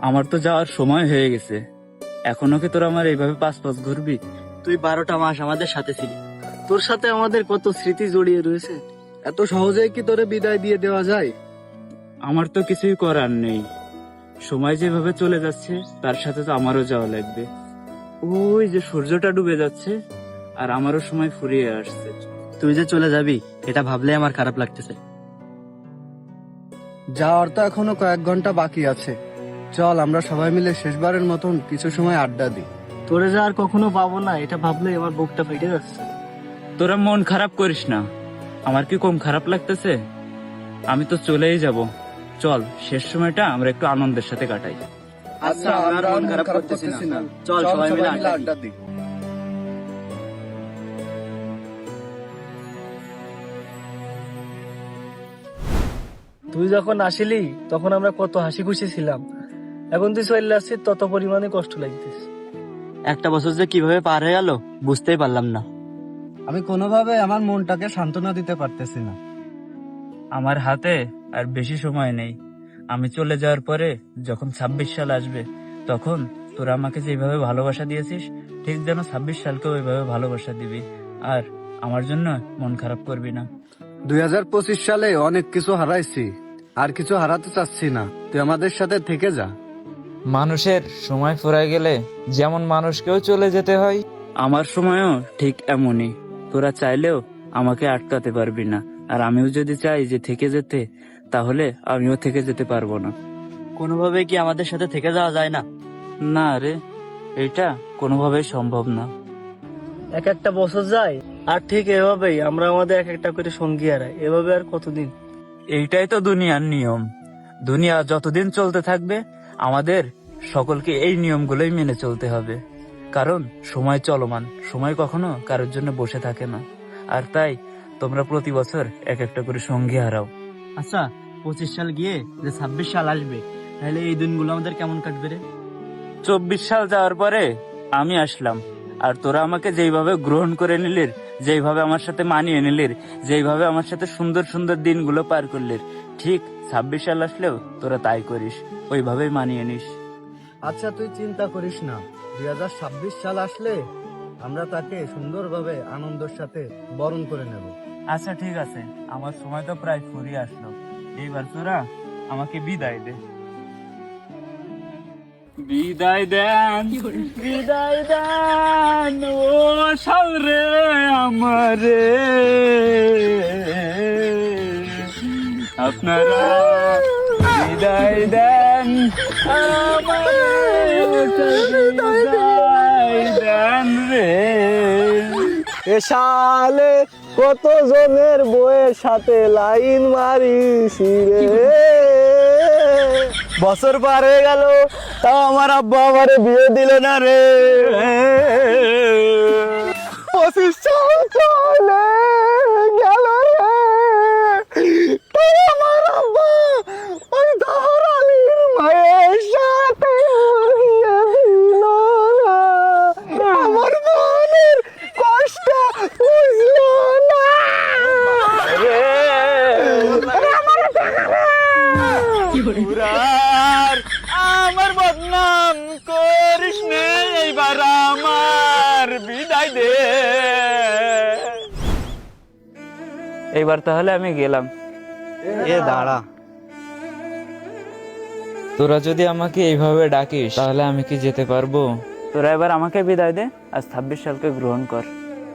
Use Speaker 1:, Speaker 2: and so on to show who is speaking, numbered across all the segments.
Speaker 1: আমার তো যাওয়ার সময় হয়ে গেছে, এখনো কি তোরা আমার এইভাবে পাঁচ পাঁচ ঘুরবি?
Speaker 2: তুই 12টা মাস আমাদের সাথে ছিলি, তোর সাথে আমাদের কত স্মৃতি জড়িয়ে রয়েছে।
Speaker 3: এত সহজেই কি তোরে বিদায় দিয়ে দেওয়া যায়?
Speaker 1: আমার তো কিছুই করার নেই, সময় যেভাবে চলে যাচ্ছে তার সাথে তো আমারও যাওয়া লাগবে। ওই যে সূর্যটা ডুবে যাচ্ছে আর আমারও সময় ফুরিয়ে আসছে।
Speaker 2: তুই যে চলে যাবি এটা ভাবলে আমার খারাপ লাগতেছে।
Speaker 3: যাওয়ার তো এখনো কয়েক ঘন্টা বাকি আছে, চল আমরা সবাই মিলে শেষবারের মতন কিছু সময় আড্ডা দিই।
Speaker 2: তোরে যে আর কখনো পাবো না এটা ভাবলে আমার বুকটা ফেটে যাচ্ছে।
Speaker 1: তোরা মন খারাপ করিস না, আমার কি কম খারাপ লাগতেছে? আমি তো চলেই যাব, চল শেষ সময়টা আমরা একটু আনন্দের সাথে কাটাই।
Speaker 3: আচ্ছা, আমরা আর মন খারাপ করতেছি না,
Speaker 2: চল সবাই মিলে আড্ডা দিই।
Speaker 3: আড্ডা দিই।
Speaker 2: তুই যখন আসিলি তখন আমরা কত হাসি খুশি ছিলাম, এখন তুই চলে আসছিস তত পরিমাণে কষ্ট লাগতেছে। একটা বছর যে কিভাবে পার হয়ে গেল বুঝতেই পারলাম না।
Speaker 3: আমি কোনোভাবে আমার মনটাকে সান্ত্বনা দিতে পারতেছি না।
Speaker 1: আমার হাতে আর বেশি সময় নেই, আমি চলে যাওয়ার পরে যখন 26 সাল আসবে তখন তোরা আমাকে যেভাবে ভালোবাসা দিয়েছিস ঠিক যেন 26 সালকেও ওইভাবে ভালোবাসা দিবি, আর আমার জন্য মন খারাপ করবি না।
Speaker 3: 2025 সালে অনেক কিছু হারাইছি, আর কিছু হারাতে চাচ্ছি না, তুই আমাদের সাথে থেকে যা।
Speaker 4: মানুষের সময় ফুরায় গেলে যেমন মানুষকেও চলে যেতে হয়,
Speaker 1: আমার সময়ও ঠিক এমনই, তোরা চাইলেও আমাকে আটকাতে পারবি না, আর আমিও যদি চাই যে থেকে যেতে তাহলে আমিও থেকে যেতে পারবো না।
Speaker 2: কোনোভাবে কি আমাদের সাথে থেকে যাওয়া যায় না?
Speaker 1: না রে, এটা কোনোভাবেই সম্ভব না।
Speaker 2: এক একটা বছর যায় আর ঠিক এভাবেই আমরা আমাদের এক একটা করে সঙ্গী হারাই, এভাবে আর কতদিন?
Speaker 1: এইটাই তো দুনিয়ার নিয়ম, দুনিয়া যতদিন চলতে থাকবে আমাদের সকলকে এই নিয়মগুলোই মেনে চলতে হবে, কারণ সময় চলমান, সময় কখনো কারোর জন্য বসে থাকে না। আর তাই তোমরা প্রতি বছর এক একটা করে সঙ্গী হারাও।
Speaker 2: আচ্ছা 25 সাল গিয়ে যে 26 সাল আসবে, তাহলে এই দিনগুলো আমাদের কেমন কাটবে রে?
Speaker 1: 24 সাল যাওয়ার পরে আমি আসলাম, আর তোরা আমাকে যেইভাবে গ্রহণ করে নিলির, যেইভাবে আমার সাথে মানিয়ে নিলির, যেইভাবে আমার সাথে সুন্দর সুন্দর দিনগুলো পার করলির, ঠিক 26 সাল আসলেও তোরা তাই করিস, ওইভাবেই মানিয়ে নিস।
Speaker 3: আচ্ছা তুই চিন্তা করিস না, 2026 সাল আসলে আমরা তাকে সুন্দরভাবে আনন্দের সাথে বরণ করে নেব।
Speaker 1: আচ্ছা ঠিক আছে, আমার সময় তো প্রায় ফুরিয়ে আসলো, এইবার তোরা আমাকে বিদায় দে। বিদায় দেন, বিদায় দেন ও সাল রে আমারে, আপনারা বিদায় দেন আমারে, বিদায় দেন রে।
Speaker 2: এ সালে কত জনের বইয়ের সাথে লাইন মারিস রে, বছর পার হয়ে গেল তাও আমার আব্বা আমারে বিয়ে দিল না রে। 25 সাল চলে গেল রে, তাও আমার আব্বা ওই দহর আলীর মায়ের সাথে বিয়ে দিল না। আমার মনের কষ্ট বুঝলো না রে,
Speaker 1: পুরার আমার বদনাম করিস নে, এইবার আমার বিদায় দে। এইবার তাহলে আমি গেলাম।
Speaker 2: এ দাঁড়া,
Speaker 4: তোরা যদি আমাকে এইভাবে ডাকিস তাহলে আমি কি যেতে পারবো?
Speaker 1: তোরা এবার আমাকে বিদায় দে, আজ 26 সালকে গ্রহণ কর।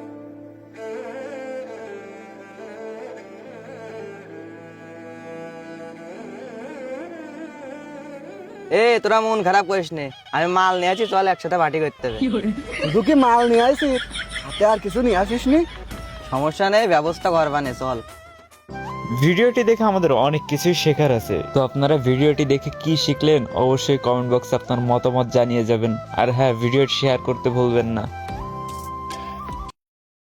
Speaker 5: এ তোরা মন খারাপ করিস নে, আমি মাল নিয়ে আছি, চল একসাথে পার্টি করতে হবে।
Speaker 3: শুধু কি মাল নিয়ে আসিস, হাতে আর কিছু নিয়ে আসিস নি?
Speaker 5: সমস্যা নেই, ব্যবস্থা করবানে, চল।
Speaker 4: ভিডিওটি দেখে আমাদের অনেক কিছুই শেখার আছে, তো আপনারা ভিডিওটি দেখে কি শিখলেন অবশ্যই কমেন্ট বক্সে আপনার মতামত জানিয়ে যাবেন, আর হ্যাঁ ভিডিওটি শেয়ার করতে ভুলবেন না।